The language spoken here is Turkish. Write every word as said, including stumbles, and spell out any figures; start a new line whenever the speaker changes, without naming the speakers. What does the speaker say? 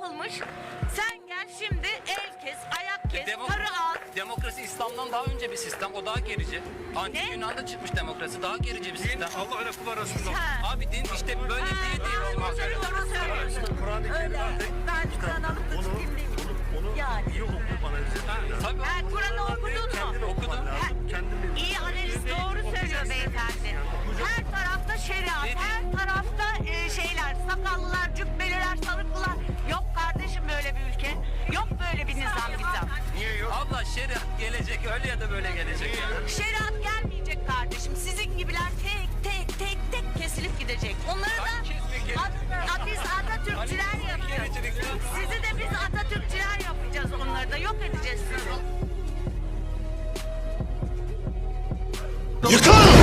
yapılmış. Sen gel şimdi el kes, ayak kes,
Demo-
karı al.
Demokrasi İslam'dan daha önce bir sistem. O daha gerici. Antik
Ne?
Yunan'da çıkmış demokrasi. Daha gerici bir sistem.
Allah öyle kul arasında.
Ha.
Abi din işte böyle
Ha,
değil diye bizim
doğru
hakkımız.
söylüyorsun.
Kur'an-ı
Öyle.
Kerim'de artık
Ben Kur'an alıp da
onu,
çıkayım değil.
onu, onu
Yani.
iyi okuyup analiz etmek lazım.
Tabii.
Ha, Kur'an'ı okudun
Kendin
mu?
okuman
Okudum.
lazım. Kendin bil.
İyi analiz doğru söylüyor beyefendi. Her tarafta şeriat, her tarafta e, şeyler, sakallılar, cübbeliler, sarıklılar. Yok kardeşim böyle bir ülke. Yok böyle bir nizam nizam.
Niye yok?
Abla şeriat gelecek öyle ya da böyle gelecek.
Şeriat gelmeyecek kardeşim. Sizin gibiler tek tek tek tek kesilip gidecek. Onları da
Kesmek
At- at- biz Atatürkçüler yapacağız. Sizi de biz Atatürkçüler yapacağız, onları da yok edeceğiz sizi.
Yıkıl!